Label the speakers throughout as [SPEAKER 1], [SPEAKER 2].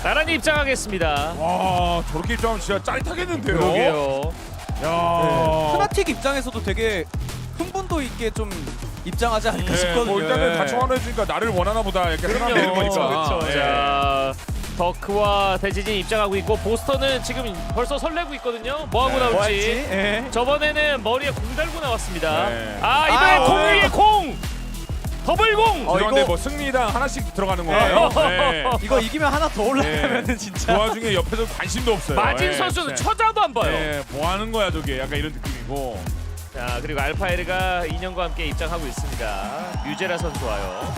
[SPEAKER 1] 나란히 입장하겠습니다.
[SPEAKER 2] 와 저렇게 입장하면 진짜 짜릿하겠는데요.
[SPEAKER 1] 그러게요.
[SPEAKER 2] 야.
[SPEAKER 3] 프나틱 입장에서도 되게 흥분도 있게 좀 입장하지 않을까
[SPEAKER 2] 네,
[SPEAKER 3] 싶거든요.
[SPEAKER 2] 뭐 일단은
[SPEAKER 3] 예.
[SPEAKER 2] 같이 원해주니까 나를 원하나 보다 이렇게 생각되는 거니까.
[SPEAKER 1] 그렇죠.
[SPEAKER 2] 예.
[SPEAKER 1] 자, 더크와 대지진 입장하고 있고 보스터는 지금 벌써 설레고 있거든요. 뭐 하고
[SPEAKER 2] 네.
[SPEAKER 3] 뭐
[SPEAKER 1] 나올지.
[SPEAKER 3] 할지? 예.
[SPEAKER 1] 저번에는 머리에 공 달고 나왔습니다.
[SPEAKER 2] 네.
[SPEAKER 1] 아 이번에
[SPEAKER 3] 아,
[SPEAKER 1] 공
[SPEAKER 3] 네.
[SPEAKER 1] 위에 공! 더블 공!
[SPEAKER 2] 그런데
[SPEAKER 3] 이거-
[SPEAKER 2] 뭐 승리당 하나씩 들어가는 건가요? 네.
[SPEAKER 3] 이거 이기면 하나 더 올라가면은 진짜.
[SPEAKER 2] 그 와중에 옆에서 관심도 없어요.
[SPEAKER 1] 마진
[SPEAKER 2] 예,
[SPEAKER 1] 선수는
[SPEAKER 2] 진짜.
[SPEAKER 1] 쳐다도 안 봐요.
[SPEAKER 2] 네, 뭐 하는 거야 저게 약간 이런 느낌이고.
[SPEAKER 1] 자 그리고 알파에르가 2년과 함께 입장하고 있습니다. 뮤제라 선수 와요.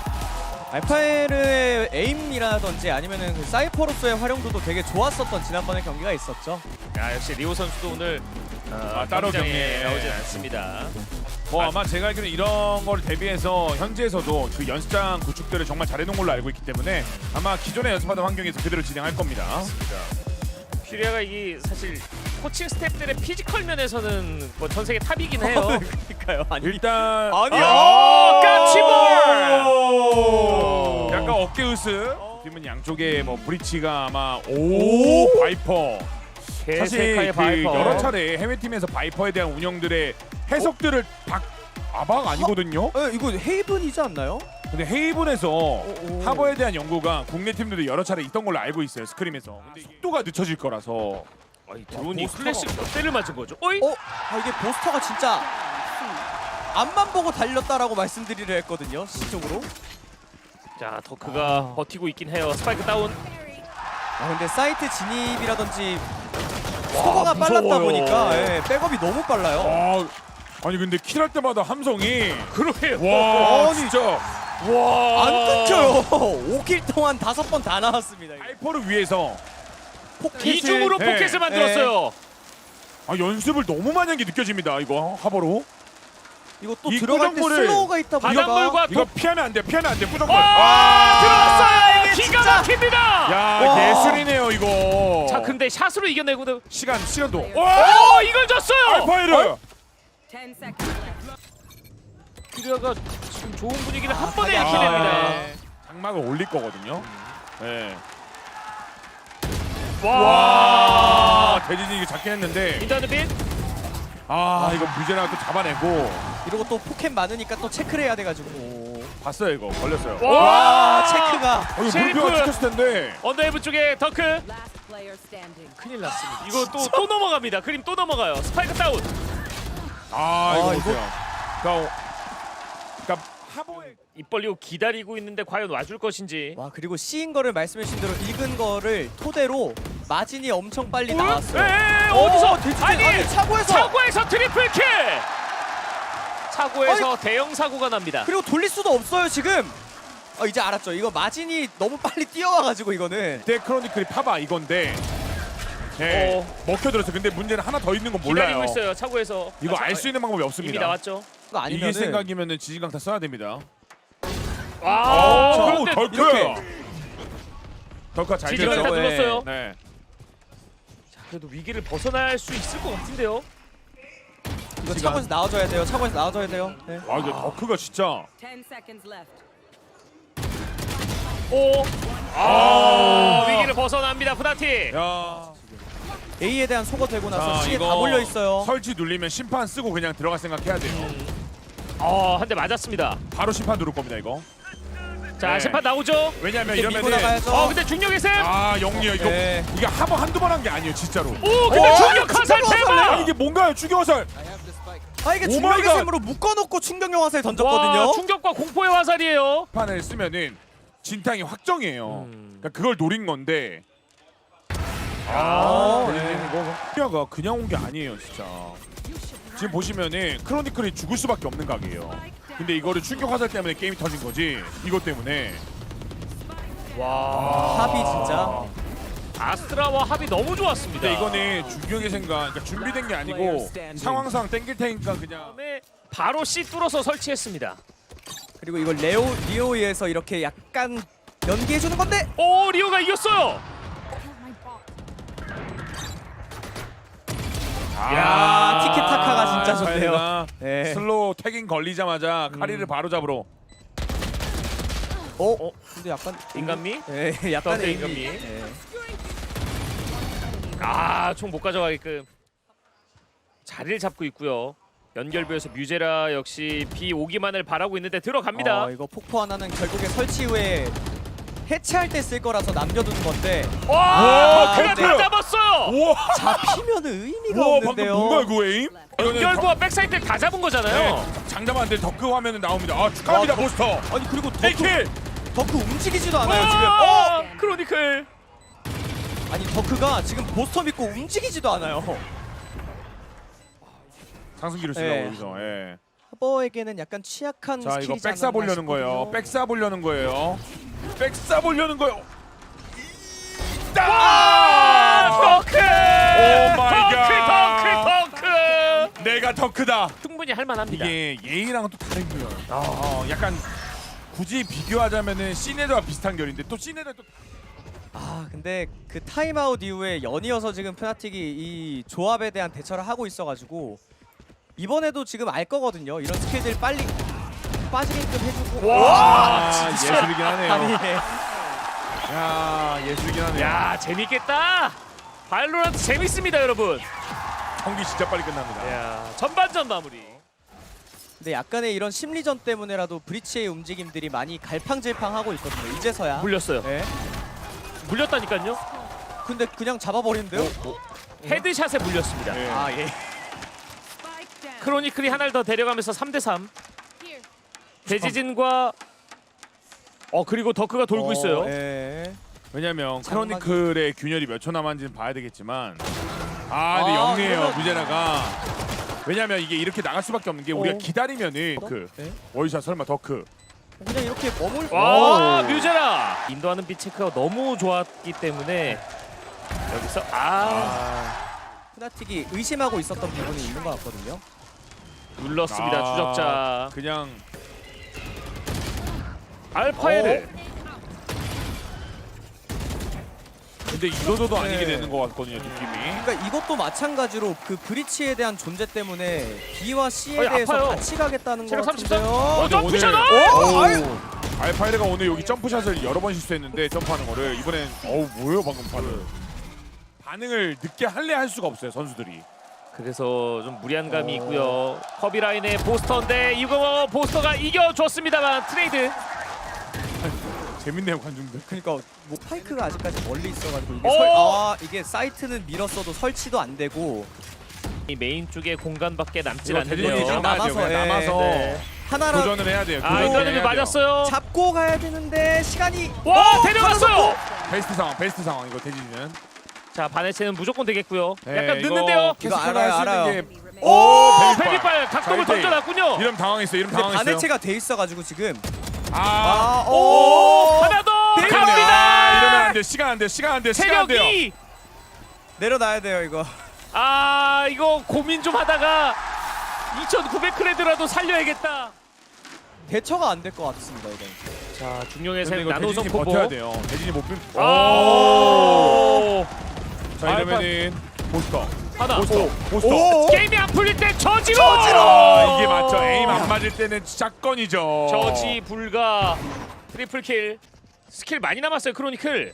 [SPEAKER 3] 알파에르의 에임이라든지 아니면은 그 사이퍼로서의 활용도도 되게 좋았었던 지난번에 경기가 있었죠.
[SPEAKER 1] 야 역시 리오 선수도 오늘
[SPEAKER 2] 따로
[SPEAKER 1] 경기장에
[SPEAKER 2] 경기에
[SPEAKER 1] 나오진 않습니다.
[SPEAKER 2] 뭐 아마 제가 알기로는 이런 걸 대비해서 현지에서도 그 연습장 구축들을 정말 잘해놓은 걸로 알고 있기 때문에 아마 기존에 연습하던 환경에서 그대로 진행할 겁니다.
[SPEAKER 1] 퓨리아가 이게 사실 코칭 스태프들의 피지컬 면에서는 뭐 전 세계 탑이긴 해요.
[SPEAKER 3] 그러니까요. 아니.
[SPEAKER 2] 일단
[SPEAKER 3] 아니요.
[SPEAKER 1] 오, 까치볼!
[SPEAKER 2] 약간 어깨 으스. 팀은 양쪽에 뭐 브리치가 아마 오 바이퍼. 사실
[SPEAKER 1] 개세카의
[SPEAKER 2] 그
[SPEAKER 1] 바이퍼.
[SPEAKER 2] 여러 차례 해외 팀에서 바이퍼에 대한 운영들의 해석들을 아박 아니거든요.
[SPEAKER 3] 이거 헤이븐이지 않나요?
[SPEAKER 2] 근데 헤이븐에서 하버에 대한 연구가 국내 팀들도 여러 차례 있던 걸로 알고 있어요. 스크림에서. 근데 이게 속도가 늦춰질 거라서.
[SPEAKER 1] 아니, 드론이
[SPEAKER 2] 보스터가-
[SPEAKER 1] 클래식 몇 대를 맞은 거죠? 어이?
[SPEAKER 3] 이게 보스터가 진짜 앞만 보고 달렸다라고 말씀드리려 했거든요. 시적으로.
[SPEAKER 1] 자 더크가 버티고 있긴 해요. 스파이크 다운.
[SPEAKER 3] 근데 사이트 진입이라든지 속도가 빨랐다
[SPEAKER 2] 무서워요.
[SPEAKER 3] 보니까 백업이 너무 빨라요.
[SPEAKER 2] 아니 근데 킬할 때마다 함성이
[SPEAKER 1] 그러게요.
[SPEAKER 2] 와
[SPEAKER 3] 아니,
[SPEAKER 2] 진짜
[SPEAKER 1] 와.
[SPEAKER 3] 안 끊겨요. 5킬 동안 5번 다 나왔습니다.
[SPEAKER 2] 바이퍼를 위해서
[SPEAKER 3] 포켓을
[SPEAKER 1] 이중으로
[SPEAKER 2] 네.
[SPEAKER 1] 포켓을 만들었어요.
[SPEAKER 2] 연습을 너무 많이 한 게 느껴집니다. 이거 하버로
[SPEAKER 3] 이거 또
[SPEAKER 2] 이
[SPEAKER 3] 들어갈 때
[SPEAKER 2] 꾸정물을
[SPEAKER 3] 슬로우가 있다 보니까
[SPEAKER 1] 바닷물과
[SPEAKER 2] 이거 피하면 안 돼. 피하면 안 돼. 꾸정물.
[SPEAKER 1] 들어왔어요.
[SPEAKER 3] 이게
[SPEAKER 1] 기가
[SPEAKER 3] 진짜-
[SPEAKER 1] 막힙니다.
[SPEAKER 2] 야
[SPEAKER 3] 와.
[SPEAKER 2] 예술이네요 이거.
[SPEAKER 1] 자 근데 샷으로 이겨내고
[SPEAKER 2] 시간도.
[SPEAKER 1] 오 이걸 줬어요.
[SPEAKER 2] 알파이르.
[SPEAKER 4] 10 seconds left.
[SPEAKER 1] 퓨리아가 지금 좋은 분위기를 한 번에
[SPEAKER 3] 아,
[SPEAKER 1] 이겨냅니다.
[SPEAKER 3] 네.
[SPEAKER 2] 장막을 올릴 거거든요. 네.
[SPEAKER 1] 와.
[SPEAKER 2] 대진이 이거 잡긴 했는데
[SPEAKER 1] 인터넷 빈.
[SPEAKER 2] 이거 뮤제나가 또 잡아내고
[SPEAKER 3] 이러고 또 포켓 많으니까 또 체크를 해야 돼가지고.
[SPEAKER 2] 봤어요 이거 걸렸어요.
[SPEAKER 3] 와 체크가.
[SPEAKER 2] 이거
[SPEAKER 1] 셰리프!
[SPEAKER 2] 물표가 찍혔을 텐데.
[SPEAKER 1] 언더헤브 쪽에 더크.
[SPEAKER 4] Last player standing.
[SPEAKER 1] 큰일 났습니다. 이거 또 넘어갑니다. 그림 또 넘어가요. 스파이크 다운.
[SPEAKER 2] 이거
[SPEAKER 3] 이거-
[SPEAKER 2] 보세요. 그러니까 하버의
[SPEAKER 1] 입 벌리고 기다리고 있는데 과연 와줄 것인지.
[SPEAKER 3] 와 그리고 C인 거를 말씀해주신 대로 읽은 거를 토대로 마진이 엄청 빨리
[SPEAKER 1] 에?
[SPEAKER 3] 나왔어요.
[SPEAKER 1] 어디서?
[SPEAKER 3] 대충-
[SPEAKER 1] 아니
[SPEAKER 3] 차고에서.
[SPEAKER 1] 차고에서 트리플 킬. 차고에서 대형 사고가 납니다.
[SPEAKER 3] 그리고 돌릴 수도 없어요 지금. 이제 알았죠. 이거 마진이 너무 빨리 뛰어와가지고 이거는.
[SPEAKER 2] 데크로니클이 파바 이건데. 네, 먹혀들었어. 근데 문제는 하나 더 있는 건 몰라요.
[SPEAKER 1] 기다리고 있어요. 차고에서.
[SPEAKER 2] 이거 알 수 있는 방법이
[SPEAKER 1] 이미
[SPEAKER 2] 없습니다.
[SPEAKER 1] 나왔죠.
[SPEAKER 3] 이거 아니면은
[SPEAKER 2] 이길 생각이면은 지진강타 써야 됩니다.
[SPEAKER 1] 와.
[SPEAKER 2] 오,
[SPEAKER 1] 그런데
[SPEAKER 2] 덜크.
[SPEAKER 3] 이렇게.
[SPEAKER 2] 덜크가 잘
[SPEAKER 1] 지진강타
[SPEAKER 2] 됐죠.
[SPEAKER 3] 네.
[SPEAKER 1] 눌렀어요.
[SPEAKER 2] 네.
[SPEAKER 1] 자, 그래도 위기를 벗어날 수 있을 것 같은데요.
[SPEAKER 3] 이거
[SPEAKER 2] 시간.
[SPEAKER 3] 차고에서 나와줘야 돼요. 차고에서 나와줘야 돼요. 네.
[SPEAKER 2] 와 이거 덜크가 진짜.
[SPEAKER 4] 10 seconds left.
[SPEAKER 1] 오. 위기를 벗어납니다. 푸나티.
[SPEAKER 2] 야.
[SPEAKER 3] A에 대한 소거 되고 나서
[SPEAKER 2] 자,
[SPEAKER 3] C에
[SPEAKER 2] 이거
[SPEAKER 3] 다 몰려 있어요.
[SPEAKER 2] 설치 눌리면 심판 쓰고 그냥 들어갈 생각해야 돼요.
[SPEAKER 1] 한 대 맞았습니다.
[SPEAKER 2] 바로 심판 누를 겁니다 이거.
[SPEAKER 1] 자,
[SPEAKER 2] 네.
[SPEAKER 1] 심판 나오죠.
[SPEAKER 2] 왜냐면
[SPEAKER 3] 이렇게 밀고
[SPEAKER 2] 이러면은
[SPEAKER 3] 나가야죠.
[SPEAKER 1] 근데 중력의 셈.
[SPEAKER 2] 영리요 이거
[SPEAKER 3] 네.
[SPEAKER 2] 이게 한 번 한두 번 한 게 아니에요 진짜로.
[SPEAKER 1] 오, 근데 중력 화살
[SPEAKER 3] 중력 화살!
[SPEAKER 1] 대박.
[SPEAKER 2] 이게 뭔가요 추격화살.
[SPEAKER 3] 이게
[SPEAKER 2] 오
[SPEAKER 3] 중력의
[SPEAKER 2] 마이 갓.
[SPEAKER 3] 셈으로 묶어놓고 충격용 화살 던졌거든요.
[SPEAKER 1] 와, 충격과 공포의 화살이에요.
[SPEAKER 2] 판을 쓰면은 진탕이 확정이에요. 그러니까 그걸 노린 건데. 피아가 그냥 온 게 아니에요 진짜. 지금 보시면은 크로니클이 죽을 수밖에 없는 각이에요. 근데 이거를 충격 화살 때문에 게임이 터진 거지. 이것 때문에.
[SPEAKER 1] 와.
[SPEAKER 3] 합이 진짜.
[SPEAKER 1] 아스트라와 합이 너무 좋았습니다.
[SPEAKER 2] 근데 이거는 중격의 생각, 그러니까 준비된 게 아니고 상황상 땡길 테니까 그냥.
[SPEAKER 1] 다음에 바로 C 뚫어서 설치했습니다.
[SPEAKER 3] 그리고 이걸 리오에서 이렇게 약간 연기해주는 건데.
[SPEAKER 1] 오, 리오가 이겼어요.
[SPEAKER 3] 야, 티키타카가 진짜 좋네요.
[SPEAKER 2] 카이가
[SPEAKER 3] 네.
[SPEAKER 2] 슬로우 태깅 걸리자마자 카리를 바로 잡으러.
[SPEAKER 3] 근데 약간
[SPEAKER 1] 인간미?
[SPEAKER 3] 예, 약간
[SPEAKER 1] 또
[SPEAKER 3] 에임이.
[SPEAKER 1] 인간미.
[SPEAKER 3] 예.
[SPEAKER 1] 총 못 가져가게끔 자리를 잡고 있고요. 연결부에서 뮤제라 역시 B 오기만을 바라고 있는데 들어갑니다.
[SPEAKER 3] 이거 폭포 하나는 결국에 설치 후에 해체할 때 쓸 거라서 남겨두는 건데
[SPEAKER 1] 와, 그냥
[SPEAKER 3] 네.
[SPEAKER 1] 다 잡았어요.
[SPEAKER 2] 우와.
[SPEAKER 3] 잡히면은 의미가
[SPEAKER 2] 우와 방금
[SPEAKER 3] 없는데요.
[SPEAKER 2] 뭔가 이거 에임?
[SPEAKER 1] 연결부와 백사이드 다 잡은 거잖아요.
[SPEAKER 2] 장담한데 덕크 화면은 나옵니다. 아 축하합니다
[SPEAKER 3] 와,
[SPEAKER 2] 보스터.
[SPEAKER 3] 아니 그리고
[SPEAKER 2] 네킬.
[SPEAKER 3] 덕크 움직이지도 않아요 지금.
[SPEAKER 1] 와, 크로니클.
[SPEAKER 3] 아니 덕크가 지금 보스터 믿고 움직이지도 않아요.
[SPEAKER 2] 상승기를 쓰라고
[SPEAKER 3] 네.
[SPEAKER 2] 여기서. 예.
[SPEAKER 3] 하버에게는 약간 취약한
[SPEAKER 2] 자 이거
[SPEAKER 3] 스킬이지
[SPEAKER 2] 백사
[SPEAKER 3] 않았나
[SPEAKER 2] 보려는 거예요.
[SPEAKER 3] 싶거든요.
[SPEAKER 2] 백사 보려는 거예요. 백사 보려는 거요.
[SPEAKER 1] 덩크!
[SPEAKER 2] 오 마이
[SPEAKER 1] 덩크!
[SPEAKER 2] 내가 덕크다.
[SPEAKER 1] 충분히 할만합니다.
[SPEAKER 2] 이게 예의랑은 또 다른 거예요. 약간 굳이 비교하자면은 시네드와 비슷한 결인데 또 시네드 또
[SPEAKER 3] 근데 그 타임아웃 이후에 연이어서 지금 푸나틱이 이 조합에 대한 대처를 하고 있어가지고 이번에도 지금 알 거거든요. 이런 스킬들 빨리 빠지게끔 해주고.
[SPEAKER 2] 와, 예술이긴 하네요.
[SPEAKER 3] 아니
[SPEAKER 2] 야 예술이긴 하네요.
[SPEAKER 1] 야, 재밌겠다. 발로란트 재밌습니다, 여러분.
[SPEAKER 2] 경기 진짜 빨리 끝납니다.
[SPEAKER 1] 야, 전반전 마무리.
[SPEAKER 3] 근데 약간의 이런 심리전 때문에라도 브리치의 움직임들이 많이 갈팡질팡하고 있거든요. 이제서야.
[SPEAKER 1] 물렸어요.
[SPEAKER 3] 네.
[SPEAKER 1] 물렸다니까요.
[SPEAKER 3] 근데 그냥 잡아버리는데요?
[SPEAKER 1] 헤드샷에 물렸습니다.
[SPEAKER 2] 네.
[SPEAKER 3] 예.
[SPEAKER 4] Spike down.
[SPEAKER 1] 크로니클이 하나를 더 데려가면서 3대3. 대지진과 그리고 덕크가 돌고 있어요.
[SPEAKER 3] 예.
[SPEAKER 2] 왜냐면
[SPEAKER 3] 장막이-
[SPEAKER 2] 크로니클의 균열이 몇 초 남았는지는 봐야 되겠지만 근데
[SPEAKER 3] 아,
[SPEAKER 2] 영리해요
[SPEAKER 3] 그러면-
[SPEAKER 2] 무제라가. 왜냐면 이게 이렇게 나갈 수밖에 없는 게 우리가 기다리면은 그
[SPEAKER 3] 네.
[SPEAKER 2] 월샷 설마 더크
[SPEAKER 3] 그냥 이렇게 머물.
[SPEAKER 1] 와,
[SPEAKER 3] 오.
[SPEAKER 1] 뮤제라. 인도하는 빛 체크가 너무 좋았기 때문에 여기서
[SPEAKER 3] 푸나틱이 의심하고 있었던 부분이 있는 것 같거든요.
[SPEAKER 1] 눌렀습니다. 추적자
[SPEAKER 2] 그냥
[SPEAKER 1] 알파에를.
[SPEAKER 2] 근데 이도저도 아니게
[SPEAKER 3] 네.
[SPEAKER 2] 되는 것 같거든요 느낌이.
[SPEAKER 3] 그러니까 이것도 마찬가지로 그 브리치에 대한 존재 때문에 B와 C에
[SPEAKER 1] 어이,
[SPEAKER 3] 대해서
[SPEAKER 1] 아파요.
[SPEAKER 3] 같이 가겠다는 거
[SPEAKER 1] 체력 33.
[SPEAKER 3] 같은데요.
[SPEAKER 1] 점프잖아.
[SPEAKER 2] 알파이르가 오늘 여기 점프샷을 여러 번 실수했는데 점프하는 거를 이번엔 뭐예요 방금 반응을 늦게 할래 할 수가 없어요 선수들이.
[SPEAKER 1] 그래서 좀 무리한 감이 있고요. 커비 라인의 보스터인데 이거 보스터가 이겨줬습니다만 트레이드.
[SPEAKER 2] 재밌네요 관중들.
[SPEAKER 3] 그러니까 뭐 파이크가 아직까지 멀리 있어가지고 이게
[SPEAKER 1] 오!
[SPEAKER 3] 이게 사이트는 밀었어도 설치도 안 되고
[SPEAKER 1] 이 메인 쪽에 공간밖에 남질
[SPEAKER 2] 이거 대진이
[SPEAKER 1] 않는데요.
[SPEAKER 2] 좀 남아서
[SPEAKER 3] 남아서, 예.
[SPEAKER 2] 남아서
[SPEAKER 1] 네.
[SPEAKER 3] 하나라
[SPEAKER 2] 도전을 해야 돼요.
[SPEAKER 1] 아, 인도하는 맞았어요.
[SPEAKER 3] 잡고 가야 되는데 시간이
[SPEAKER 1] 와, 데려갔어요.
[SPEAKER 2] 베스트 상황 이거 대진이는.
[SPEAKER 1] 자, 바네체는 무조건 되겠고요.
[SPEAKER 2] 네,
[SPEAKER 1] 약간
[SPEAKER 2] 이거
[SPEAKER 1] 늦는데요.
[SPEAKER 2] 계속
[SPEAKER 3] 이거 알아요,
[SPEAKER 2] 할수 있는
[SPEAKER 3] 알아요.
[SPEAKER 2] 게-
[SPEAKER 1] 오,
[SPEAKER 2] 베리빨.
[SPEAKER 1] 베리빨 각도를
[SPEAKER 2] 자,
[SPEAKER 1] 던져놨군요.
[SPEAKER 2] 이름 당황했어요. 이름
[SPEAKER 3] 근데
[SPEAKER 2] 당황했어요.
[SPEAKER 3] 바네체가 돼 있어가지고 지금
[SPEAKER 1] 오, 하나 더
[SPEAKER 2] 이러면
[SPEAKER 1] 갑니다.
[SPEAKER 2] 안 돼. 시간 안 돼. 시간 안 돼. 시간 안 돼요.
[SPEAKER 1] 체력이
[SPEAKER 3] 내려놔야 돼요 이거.
[SPEAKER 1] 이거 고민 좀 하다가 2,900크레드라도 살려야겠다.
[SPEAKER 3] 대처가 안 될 것 같습니다 이건.
[SPEAKER 1] 자, 중령의
[SPEAKER 2] 근데
[SPEAKER 1] 샘
[SPEAKER 2] 이거
[SPEAKER 1] 나노성
[SPEAKER 2] 대진이
[SPEAKER 1] 포보.
[SPEAKER 2] 버텨야 돼요. 대진이 못 빌.
[SPEAKER 1] 오!
[SPEAKER 2] 자 이러면은 보스터.
[SPEAKER 1] 하나.
[SPEAKER 2] 보스터.
[SPEAKER 3] 오!
[SPEAKER 1] 게임이 안 풀릴 때 저지로.
[SPEAKER 2] 이게 맞죠. 에임 안 맞을 때는 샷건이죠.
[SPEAKER 1] 저지 불가. 트리플 킬. 스킬 많이 남았어요, 크로니클.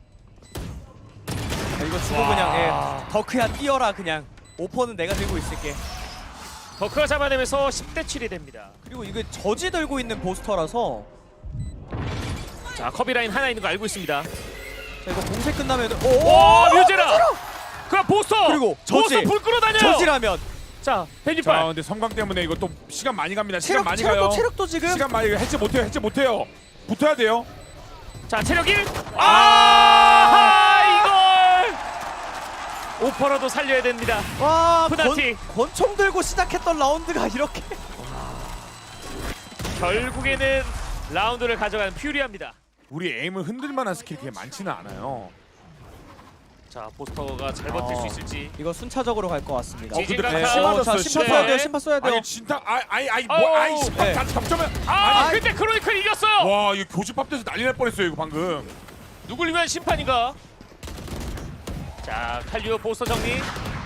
[SPEAKER 3] 이거 주고 그냥 덕크야 뛰어라 그냥. 오퍼는 내가 들고 있을게.
[SPEAKER 1] 더크가 잡아내면서 10대 7이 됩니다.
[SPEAKER 3] 그리고 이게 저지 들고 있는 보스터라서
[SPEAKER 1] 자, 커비 라인 하나 있는 거 알고 있습니다.
[SPEAKER 3] 자 이거 공세 끝나면
[SPEAKER 1] 오, 뮤제라. 그럼 보스터.
[SPEAKER 3] 그리고 저지.
[SPEAKER 1] 보스터 불 끌어다녀요.
[SPEAKER 3] 저지라면
[SPEAKER 1] 자,
[SPEAKER 2] 자
[SPEAKER 1] 벤지빨.
[SPEAKER 2] 근데 섬광 때문에 이거 또 시간 많이 갑니다. 시간 많이 가요.
[SPEAKER 3] 체력도 지금
[SPEAKER 2] 시간 많이 해체 못해요. 해체 못해요. 붙어야 돼요.
[SPEAKER 1] 자, 체력 1. 이걸 오퍼라도 살려야 됩니다.
[SPEAKER 3] 와
[SPEAKER 1] 푸나틱.
[SPEAKER 3] 권총 들고 시작했던 라운드가 이렇게
[SPEAKER 1] 결국에는 라운드를 가져가는 퓨리합니다.
[SPEAKER 2] 우리 에임을 흔들 만한 스킬이 그렇게 많지는 않아요.
[SPEAKER 1] 자, 보스터가 잘 버틸 수 있을지.
[SPEAKER 3] 이거 순차적으로 갈 것 같습니다.
[SPEAKER 1] 지진
[SPEAKER 2] 근데
[SPEAKER 1] 강타.
[SPEAKER 2] 같이 맞았어요.
[SPEAKER 3] 자, 심판
[SPEAKER 1] 네.
[SPEAKER 3] 써야 돼요. 심판 써야 돼요.
[SPEAKER 2] 아니 진짜
[SPEAKER 1] 어우,
[SPEAKER 2] 심판
[SPEAKER 3] 네.
[SPEAKER 2] 다 잡자면
[SPEAKER 1] 근데 크로니클 이겼어요.
[SPEAKER 2] 와 이거 교집합돼서 난리 날 뻔했어요 이거 방금.
[SPEAKER 1] 누굴 위한 심판인가? 자, 칼리오 보스터 정리.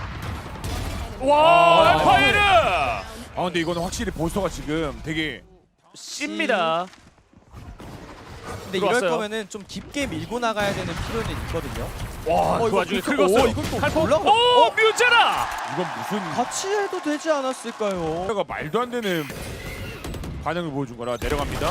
[SPEAKER 1] 와, 알파이르
[SPEAKER 2] 근데 이거는 확실히 보스터가 지금 되게
[SPEAKER 1] 씁니다.
[SPEAKER 3] 근데 이럴
[SPEAKER 1] 들어왔어요.
[SPEAKER 3] 거면은 좀 깊게 밀고 나가야 되는 필요는 있거든요.
[SPEAKER 1] 와, 그
[SPEAKER 3] 이거
[SPEAKER 1] 와중에
[SPEAKER 3] 긁혔-
[SPEAKER 1] 긁었어요.
[SPEAKER 3] 이건 또
[SPEAKER 1] 칼포.
[SPEAKER 3] 올라가-
[SPEAKER 1] 오, 뮤제라.
[SPEAKER 2] 이건 무슨
[SPEAKER 3] 같이 해도 되지 않았을까요?
[SPEAKER 2] 가 말도 안 되는 반응을 보여준 거라 내려갑니다.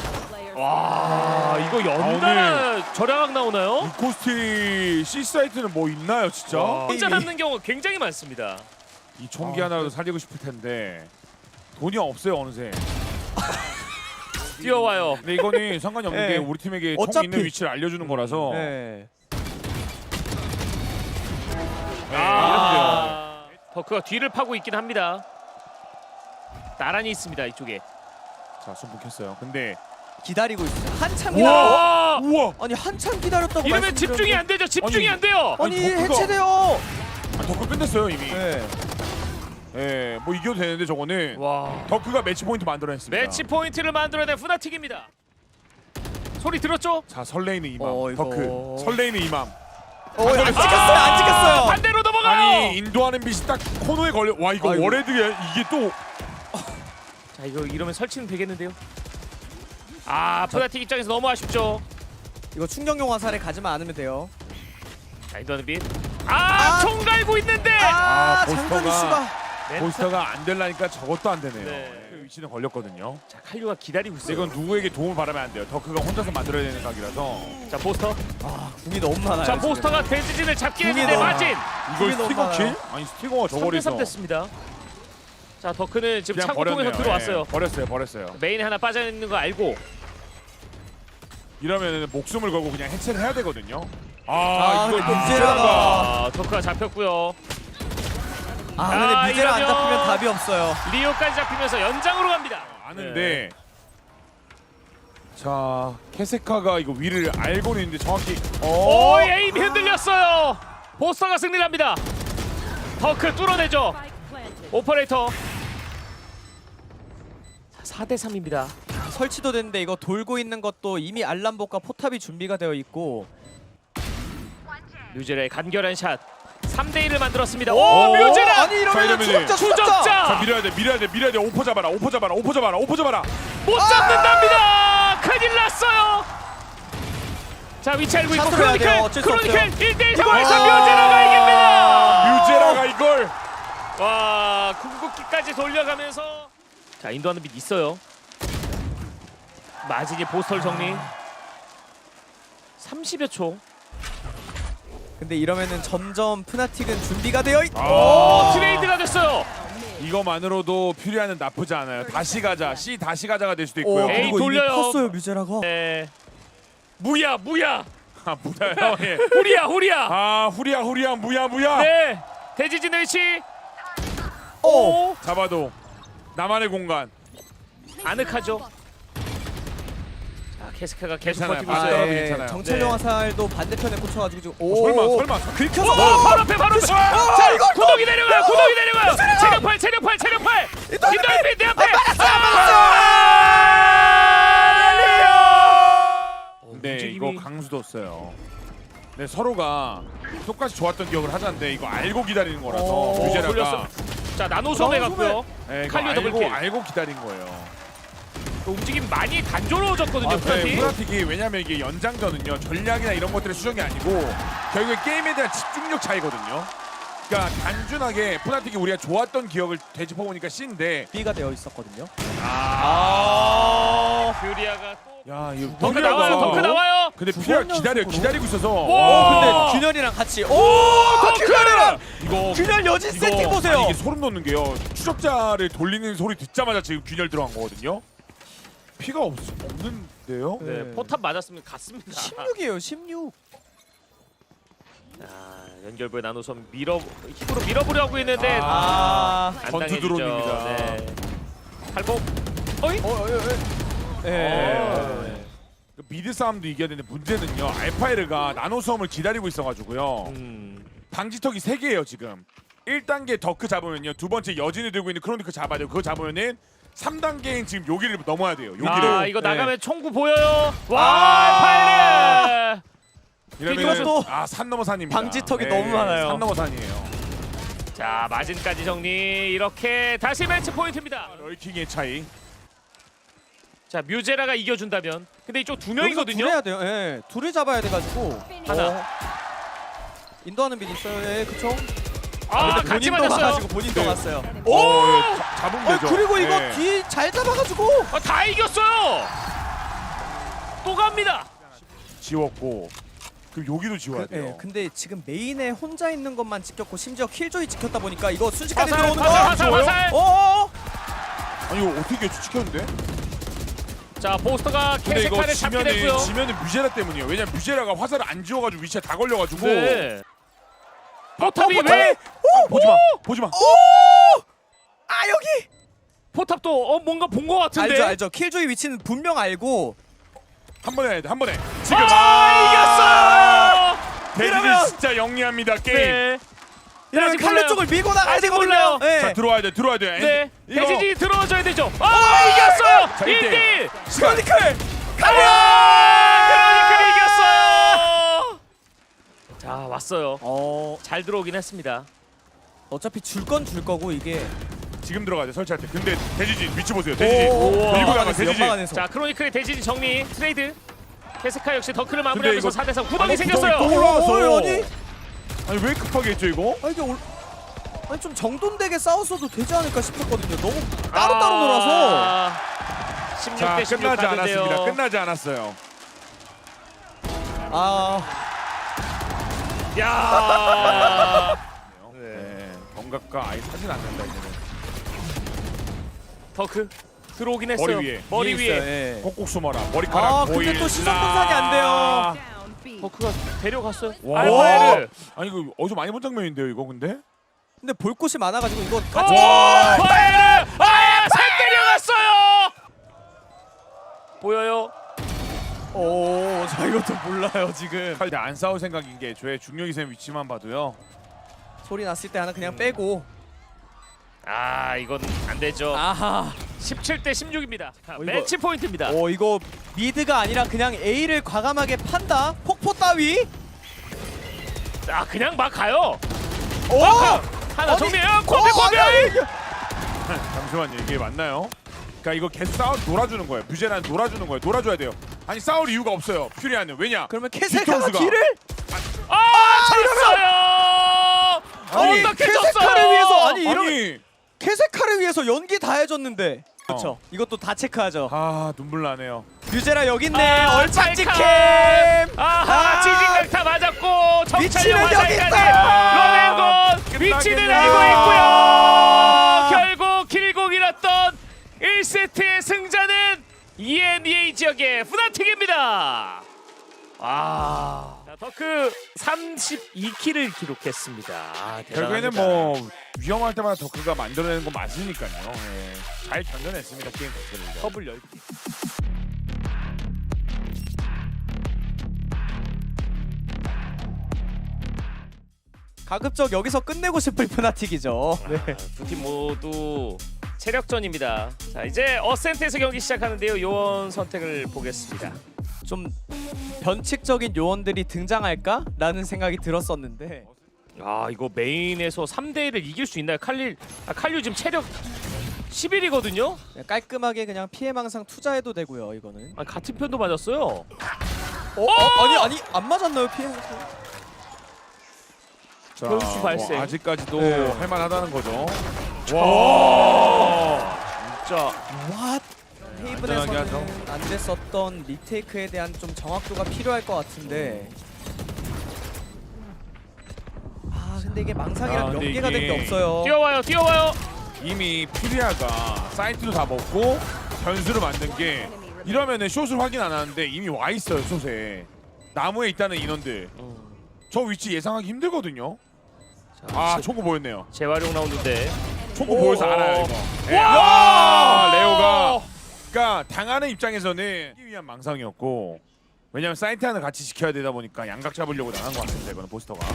[SPEAKER 1] 와, 이거 연달아 절약각 나오나요?
[SPEAKER 2] 루코스티 C 사이트는 뭐 있나요, 진짜?
[SPEAKER 1] 혼자 남는 경우가 굉장히 많습니다.
[SPEAKER 2] 이 총기 하나라도 살리고 싶을 텐데 돈이 없어요 어느새.
[SPEAKER 1] 뛰어와요.
[SPEAKER 2] 근데 이거는 상관이 없는
[SPEAKER 3] 네.
[SPEAKER 2] 게 우리 팀에게 총
[SPEAKER 3] 어차피-
[SPEAKER 2] 있는 위치를 알려주는 거라서.
[SPEAKER 3] 네.
[SPEAKER 2] 네,
[SPEAKER 1] 아, 더크가 뒤를 파고 있긴 합니다. 나란히 있습니다 이쪽에.
[SPEAKER 2] 자, 손 묶였어요. 근데
[SPEAKER 3] 기다리고 있어요. 한참 기다려.
[SPEAKER 1] 와,
[SPEAKER 2] 우와.
[SPEAKER 3] 아니 한참 기다렸다고
[SPEAKER 1] 이러면
[SPEAKER 3] 말씀드렸는데-
[SPEAKER 1] 집중이 안 되죠. 집중이 안 돼요.
[SPEAKER 3] 아니
[SPEAKER 2] 아니, 덕후가-
[SPEAKER 3] 해체돼요.
[SPEAKER 2] 덕크 끝냈어요 이미.
[SPEAKER 3] 네.
[SPEAKER 2] 예, 뭐 이겨도 되는데 저거는
[SPEAKER 1] 와,
[SPEAKER 2] 덕크가 매치 포인트 만들어냈습니다.
[SPEAKER 1] 매치 포인트를 만들어낸 푸나틱입니다. 소리 들었죠?
[SPEAKER 2] 자, 설레이는 이맘.
[SPEAKER 3] 이거-
[SPEAKER 2] 덕크. 설레이는 이맘.
[SPEAKER 3] 안 찍혔어요. 안 찍혔어요.
[SPEAKER 1] 반대로 넘어가요.
[SPEAKER 2] 아니, 인도하는 빛이 딱 코너에 걸려. 와, 이거
[SPEAKER 3] 아이고.
[SPEAKER 2] 월헤드야. 이게 또
[SPEAKER 1] 자, 이거 이러면 설치는 되겠는데요. 아, 푸나틱 입장에서 너무 아쉽죠.
[SPEAKER 3] 이거 충격용 화살에 가지만 않으면 돼요.
[SPEAKER 1] 자, 인도하는 빛. 아, 총 갈고 있는데.
[SPEAKER 2] 아,
[SPEAKER 3] 장관이
[SPEAKER 2] 보스터가-
[SPEAKER 3] 씨가
[SPEAKER 2] 보스터가 안 될라니까 저것도 안 되네요.
[SPEAKER 1] 네.
[SPEAKER 2] 그 위치는 걸렸거든요.
[SPEAKER 1] 자, 칼류가 기다리고
[SPEAKER 2] 근데
[SPEAKER 1] 있어요.
[SPEAKER 2] 이건 누구에게 도움을 바라면 안 돼요. 덕크가 혼자서 만들어야 되는 각이라서.
[SPEAKER 1] 자, 보스터.
[SPEAKER 3] 궁이 너무 많아요.
[SPEAKER 1] 자,
[SPEAKER 3] 지금.
[SPEAKER 1] 보스터가 대지진을 잡긴
[SPEAKER 3] 궁이
[SPEAKER 1] 했는데
[SPEAKER 3] 너무
[SPEAKER 1] 마진.
[SPEAKER 2] 이걸
[SPEAKER 3] 궁이 너무
[SPEAKER 2] 스티거 킬?
[SPEAKER 3] 많아요.
[SPEAKER 2] 아니, 스티거가
[SPEAKER 1] 3대3
[SPEAKER 2] 저거리서
[SPEAKER 1] 됐습니다. 자, 더크는 지금
[SPEAKER 2] 그냥
[SPEAKER 1] 창고 통해서
[SPEAKER 2] 버렸네요.
[SPEAKER 1] 들어왔어요.
[SPEAKER 2] 예, 버렸어요.
[SPEAKER 1] 메인에 하나 빠져 있는 거 알고.
[SPEAKER 2] 이러면 목숨을 걸고 그냥 해체를 해야 되거든요.
[SPEAKER 3] 아,
[SPEAKER 2] 이걸
[SPEAKER 3] 근데
[SPEAKER 2] 문제라가.
[SPEAKER 1] 아, 더크가 잡혔고요.
[SPEAKER 3] 아 근데
[SPEAKER 1] 아,
[SPEAKER 3] 미제라 안
[SPEAKER 1] 이러면-
[SPEAKER 3] 잡히면 답이 없어요.
[SPEAKER 1] 리오까지 잡히면서 연장으로 갑니다.
[SPEAKER 2] 아는데. 자, 케세카가 이거 위를 알고는 있는데 정확히.
[SPEAKER 1] 오, 에임 흔들렸어요. 보스터가 승리를 합니다. 더크 뚫어내죠. 오퍼레이터. 4대 3입니다.
[SPEAKER 3] 설치도 됐는데 이거 돌고 있는 것도 이미 알람복과 포탑이 준비가 되어 있고.
[SPEAKER 1] 뮤제라의 간결한 샷. 3대 1을 만들었습니다.
[SPEAKER 2] 오,
[SPEAKER 1] 오, 뮤제라.
[SPEAKER 3] 아니 이러면
[SPEAKER 2] 이러면은
[SPEAKER 3] 추적자.
[SPEAKER 1] 추적자.
[SPEAKER 2] 자, 밀어야 돼. 오퍼 잡아라. 오퍼 잡아라.
[SPEAKER 1] 못 잡는답니다. 큰일 났어요. 자, 위치 알고 있고
[SPEAKER 3] 샷으로 해야 돼요.
[SPEAKER 1] 크로니클.
[SPEAKER 3] 어쩔 수
[SPEAKER 1] 크로니클
[SPEAKER 3] 없어요.
[SPEAKER 1] 1대1 상황에서 뮤제라가 이깁니다.
[SPEAKER 2] 뮤제라가 이걸.
[SPEAKER 1] 와, 궁극기까지 돌려가면서 자, 인도하는 빛 있어요. 마진이 보스털 정리. 30여 초.
[SPEAKER 3] 근데 이러면은 점점 푸나틱은 준비가 되어 있.
[SPEAKER 1] 오, 트레이드가 됐어요.
[SPEAKER 2] 이거만으로도 퓨리아는 나쁘지 않아요. 다시 가자. C 다시 가자가 될 수도 있고요.
[SPEAKER 1] 에이,
[SPEAKER 3] 그리고 이미
[SPEAKER 1] 돌려요.
[SPEAKER 3] 컸어요 뮤제라가.
[SPEAKER 1] 네. 무야.
[SPEAKER 2] 아, 무다요. 예.
[SPEAKER 1] 후리야.
[SPEAKER 2] 아, 후리야. 무야.
[SPEAKER 1] 네. 대지진의 위치.
[SPEAKER 3] 오.
[SPEAKER 1] 오.
[SPEAKER 2] 잡아도 나만의 공간.
[SPEAKER 1] 아늑하죠. 자, 케스카가 계속
[SPEAKER 2] 괜찮아요.
[SPEAKER 1] 버티고
[SPEAKER 2] 아,
[SPEAKER 1] 있어요.
[SPEAKER 2] 네. 괜찮아요.
[SPEAKER 3] 정찰용
[SPEAKER 1] 네.
[SPEAKER 3] 화살도 반대편에 꽂혀가지고 지금
[SPEAKER 2] 설마.
[SPEAKER 3] 긁혀서
[SPEAKER 1] 오, 바로 앞에. 자,
[SPEAKER 3] 이거
[SPEAKER 1] 구덩이 내려가요. 체력팔. 인도하는 내 앞에.
[SPEAKER 2] 네, 이거 강수도 없어요. 네, 서로가 똑같이 좋았던 기억을 하자는데 이거 알고 기다리는 거라서
[SPEAKER 1] 오,
[SPEAKER 2] 뮤제라가
[SPEAKER 1] 돌렸어. 자, 나노섬에 갔고요.
[SPEAKER 2] 네, 이거
[SPEAKER 1] 칼리오 더블킬.
[SPEAKER 2] 알고 기다린 거예요.
[SPEAKER 1] 그 움직임 많이 단조로워졌거든요.
[SPEAKER 2] 네,
[SPEAKER 1] 푸나틱.
[SPEAKER 2] 푸나틱이 왜냐면 이게 연장전은요 전략이나 이런 것들의 수정이 아니고 결국에 게임에 대한 집중력 차이거든요. 그러니까 단순하게 푸나틱이 우리가 좋았던 기억을 되짚어 보니까 C인데
[SPEAKER 3] B가 되어 있었거든요.
[SPEAKER 1] 퓨리아가 또
[SPEAKER 2] 야, 이거
[SPEAKER 1] 덩크
[SPEAKER 2] 퓨리아가
[SPEAKER 1] 나와요.
[SPEAKER 2] 근데
[SPEAKER 3] 두
[SPEAKER 2] 퓨리아
[SPEAKER 3] 번
[SPEAKER 2] 기다리고
[SPEAKER 3] 연속으로?
[SPEAKER 2] 있어서
[SPEAKER 1] 오!
[SPEAKER 3] 근데 균열이랑 같이
[SPEAKER 1] 덩크!
[SPEAKER 2] 이거
[SPEAKER 3] 균열 여진 세팅 보세요.
[SPEAKER 2] 아니, 이게 소름 돋는 게요. 추적자를 돌리는 소리 듣자마자 지금 균열 들어간 거거든요. 피가 없는데요?
[SPEAKER 1] 네, 포탑 맞았으면 갔습니다.
[SPEAKER 3] 16이에요 16.
[SPEAKER 1] 자, 연결부의 나노섬 힘으로 밀어보려고 했는데
[SPEAKER 3] 아.
[SPEAKER 1] 안
[SPEAKER 2] 전투
[SPEAKER 1] 당해지죠.
[SPEAKER 2] 드론입니다.
[SPEAKER 1] 네. 팔복. 어이?
[SPEAKER 3] 예.
[SPEAKER 2] 그 미드 싸움도 이겨야 되는데 문제는요. 알파이르가 나노섬을 기다리고 있어가지고요. 방지턱이 3개예요 지금. 1단계 덕크 잡으면요. 두 번째 여진을 들고 있는 크로니크 잡아야 돼요. 그거 잡으면은 3단계인 지금 여기를 넘어야 돼요. 여기를.
[SPEAKER 1] 아, 이거
[SPEAKER 3] 네.
[SPEAKER 1] 나가면 총구 보여요. 와, 파이레.
[SPEAKER 3] 이것도
[SPEAKER 2] 산 넘어 산입니다.
[SPEAKER 3] 방지턱이 너무 많아요.
[SPEAKER 2] 산 넘어 산이에요.
[SPEAKER 1] 자, 마진까지 정리. 이렇게 다시 매치 포인트입니다.
[SPEAKER 2] 럴킹의 차이.
[SPEAKER 1] 자 뮤제라가 이겨준다면. 근데 이쪽 두
[SPEAKER 3] 여기서
[SPEAKER 1] 명이거든요.
[SPEAKER 3] 둘 해야 돼요. 예, 둘을 잡아야 돼가지고.
[SPEAKER 1] 하나.
[SPEAKER 3] 인도하는 빌 있어요. 예, 그쵸?
[SPEAKER 1] 아
[SPEAKER 3] 근데
[SPEAKER 1] 같이
[SPEAKER 3] 본인도
[SPEAKER 1] 맞았어요.
[SPEAKER 3] 와가지고 본인도
[SPEAKER 2] 네.
[SPEAKER 3] 갔어요.
[SPEAKER 2] 오, 잡으면 되죠.
[SPEAKER 3] 그리고 이거
[SPEAKER 2] 네.
[SPEAKER 3] 뒤 잘 잡아가지고.
[SPEAKER 1] 아, 다 이겼어요. 또 갑니다.
[SPEAKER 2] 지웠고 그럼 여기도 지워야 돼요.
[SPEAKER 3] 예, 근데 지금 메인에 혼자 있는 것만 지켰고 심지어 킬조이 지켰다 보니까 이거 순식간에
[SPEAKER 1] 화살
[SPEAKER 3] 들어오는
[SPEAKER 1] 화살
[SPEAKER 3] 거.
[SPEAKER 1] 화살
[SPEAKER 2] 좋아요?
[SPEAKER 1] 화살.
[SPEAKER 3] 어.
[SPEAKER 2] 아니 이거 어떻게 추측했는데?
[SPEAKER 1] 자 보스터가
[SPEAKER 2] 근데 이거
[SPEAKER 1] 캐세카를 잡게 됐고요.
[SPEAKER 2] 지면은 뮤제라 때문이에요. 왜냐면 뮤제라가 화살을 안 지워가지고 위치에 다 걸려가지고.
[SPEAKER 1] 네. 포탑이
[SPEAKER 3] 포탑이!
[SPEAKER 1] 왜?
[SPEAKER 2] 보지 마.
[SPEAKER 3] 아 여기.
[SPEAKER 1] 포탑도 뭔가 본 것 같은데.
[SPEAKER 3] 알죠. 킬조이 위치는 분명 알고.
[SPEAKER 2] 한 번에 해야 돼. 한 번에. 지금
[SPEAKER 1] 아 이겼어요.
[SPEAKER 2] 대진이 진짜 영리합니다 게임.
[SPEAKER 1] 네.
[SPEAKER 3] 이러면
[SPEAKER 1] 아직
[SPEAKER 3] 칼리
[SPEAKER 1] 몰라요.
[SPEAKER 3] 쪽을 밀고 나가야
[SPEAKER 1] 아직
[SPEAKER 3] 되거든요.
[SPEAKER 1] 몰라요.
[SPEAKER 3] 예.
[SPEAKER 2] 자 들어와야 돼.
[SPEAKER 1] 네.
[SPEAKER 2] 이거
[SPEAKER 1] 대진이 들어와줘야 되죠. 이겼어요.
[SPEAKER 2] 자,
[SPEAKER 1] 1대1.
[SPEAKER 3] 크로니클.
[SPEAKER 1] 크로니클이 이겼어요. 자 왔어요. 잘 들어오긴 했습니다.
[SPEAKER 3] 어차피 줄 건 줄 거고 이게.
[SPEAKER 2] 지금 들어가야 돼 설치할 때. 근데 대지진 위치 보세요. 대지진.
[SPEAKER 3] 오,
[SPEAKER 2] 밀고
[SPEAKER 3] 연막
[SPEAKER 2] 나가
[SPEAKER 3] 안에서,
[SPEAKER 2] 대지진.
[SPEAKER 3] 연막 안에서.
[SPEAKER 1] 자 크로니클의 대진이 정리 트레이드. 케스카 역시 더크를
[SPEAKER 2] 근데
[SPEAKER 1] 마무리하면서
[SPEAKER 2] 이거
[SPEAKER 1] 4대3 구덩이
[SPEAKER 2] 아니,
[SPEAKER 1] 생겼어요.
[SPEAKER 2] 구덩이 또 올라왔어.
[SPEAKER 3] 아니?
[SPEAKER 2] 아니 왜 급하게 했죠 이거?
[SPEAKER 3] 아니 이게 아니 좀 정돈되게 싸웠어도 되지 않을까 싶었거든요. 너무 따로따로 놀아서.
[SPEAKER 1] 16대 16
[SPEAKER 2] 끝나지
[SPEAKER 1] 가는데요.
[SPEAKER 2] 않았습니다. 끝나지 않았어요.
[SPEAKER 1] 야.
[SPEAKER 2] 네. 경각과 아예 사진 안 난다 이제는.
[SPEAKER 1] 더크 들어오긴 했어요.
[SPEAKER 2] 머리 위에.
[SPEAKER 1] 머리 위에.
[SPEAKER 3] 있어요, 예.
[SPEAKER 2] 꼭꼭 숨어라. 머리카락
[SPEAKER 3] 아,
[SPEAKER 2] 보일.
[SPEAKER 3] 근데 또 시선 분산이 안 돼요.
[SPEAKER 4] Down B.
[SPEAKER 1] 더크가 데려갔어요.
[SPEAKER 2] 와.
[SPEAKER 1] 알파에르.
[SPEAKER 2] 아니 이거 어디서 많이 본 장면인데요 이거 근데?
[SPEAKER 3] 근데 볼 곳이 많아가지고 이거 같이.
[SPEAKER 1] 와! 파에르! 살 때려갔어요. 보여요?
[SPEAKER 3] 오, 저 이것도 몰라요 지금.
[SPEAKER 2] 칼 안 싸울 생각인 게 저의 중력이센 위치만 봐도요.
[SPEAKER 3] 소리 났을 때 하나 그냥 빼고.
[SPEAKER 1] 이건 안 되죠.
[SPEAKER 3] 아하.
[SPEAKER 1] 17대 16입니다.
[SPEAKER 3] 이거-
[SPEAKER 1] 매치 포인트입니다.
[SPEAKER 3] 이거 미드가 아니라 그냥 A를 과감하게 판다. 폭포 따위.
[SPEAKER 1] 그냥 막 가요.
[SPEAKER 3] 오.
[SPEAKER 1] 하나
[SPEAKER 3] 아니,
[SPEAKER 1] 정리해요. 코비 코비.
[SPEAKER 2] 잠시만요 이게 맞나요? 그러니까 이거 계속 싸워 놀아주는 거예요. 뮤제라는 놀아주는 거예요. 놀아줘야 돼요. 아니 싸울 이유가 없어요. 퓨리아는 왜냐?
[SPEAKER 3] 그러면 캐세카가
[SPEAKER 2] 뒤통수가.
[SPEAKER 3] 길을.
[SPEAKER 1] 졌어요.
[SPEAKER 3] 아니,
[SPEAKER 1] 어떻게
[SPEAKER 3] 캐세카를
[SPEAKER 1] 졌어요?
[SPEAKER 3] 위해서 아니 이런
[SPEAKER 2] 아니
[SPEAKER 3] 캐세카를 위해서 연기 다 해줬는데. 그렇죠. 이것도 다 체크하죠.
[SPEAKER 2] 눈물 나네요.
[SPEAKER 3] 뮤제라 여기 있네. 얼짱지
[SPEAKER 1] 찰칵.
[SPEAKER 3] 캠.
[SPEAKER 1] 지진강타 맞았고 정찰용
[SPEAKER 3] 위치는 여기
[SPEAKER 1] 화살까지.
[SPEAKER 3] 있어요.
[SPEAKER 1] 로렌곤 위치는
[SPEAKER 2] 끝나겠네요.
[SPEAKER 1] 알고 있고요. 결국 길고 길었던 1세트의 승자는 EMEA 지역의 푸나틱입니다. 자, 더크 32킬을 기록했습니다.
[SPEAKER 2] 결국에는 뭐 위험할 때마다 더크가 만들어내는 건 맞으니까요. 예. 잘 견뎌냈습니다 게임 자체를.
[SPEAKER 1] 더블 10개.
[SPEAKER 3] 가급적 여기서 끝내고 싶을 푸나틱이죠. 네.
[SPEAKER 1] 두 팀 모두 체력전입니다. 자 이제 어센트에서 경기 시작하는데요. 요원 선택을 보겠습니다.
[SPEAKER 3] 좀 변칙적인 요원들이 등장할까라는 생각이 들었었는데
[SPEAKER 1] 이거 메인에서 3대1을 이길 수 있나요? 칼류 지금 체력 11이거든요?
[SPEAKER 3] 그냥 깔끔하게 그냥 피해망상 투자해도 되고요. 이거는.
[SPEAKER 1] 같은 편도 맞았어요.
[SPEAKER 3] 아니 안 맞았나요 피해망상?
[SPEAKER 2] 자,
[SPEAKER 1] 변수 발생.
[SPEAKER 2] 아직까지도
[SPEAKER 3] 네.
[SPEAKER 2] 할만하다는 거죠.
[SPEAKER 1] 와 진짜
[SPEAKER 3] 왓?
[SPEAKER 2] 안전하게 하죠.
[SPEAKER 3] 테이블에서는 안 됐었던 리테이크에 대한 좀 정확도가 필요할 것 같은데. 근데 이게 망상이랑
[SPEAKER 2] 근데
[SPEAKER 3] 연계가 된 게
[SPEAKER 2] 이게
[SPEAKER 3] 없어요.
[SPEAKER 1] 뛰어와요.
[SPEAKER 2] 이미 퓨리아가 사이트도 다 먹고 변수를 만든 게 이러면은 숏을 확인 안 하는데 이미 와 있어요 숏에. 나무에 있다는 인원들. 저 위치 예상하기 힘들거든요. 총구 보였네요.
[SPEAKER 1] 재활용 라운드인데.
[SPEAKER 2] 총구 보여서 알아요 이거. 예.
[SPEAKER 1] 와!
[SPEAKER 2] 레오가 그러니까 당하는 입장에서는 하기 위한 망상이었고 왜냐면 사이트 하나 같이 지켜야 되다 보니까 양각 잡으려고 나간 것 같습니다. 이거는 보스터가.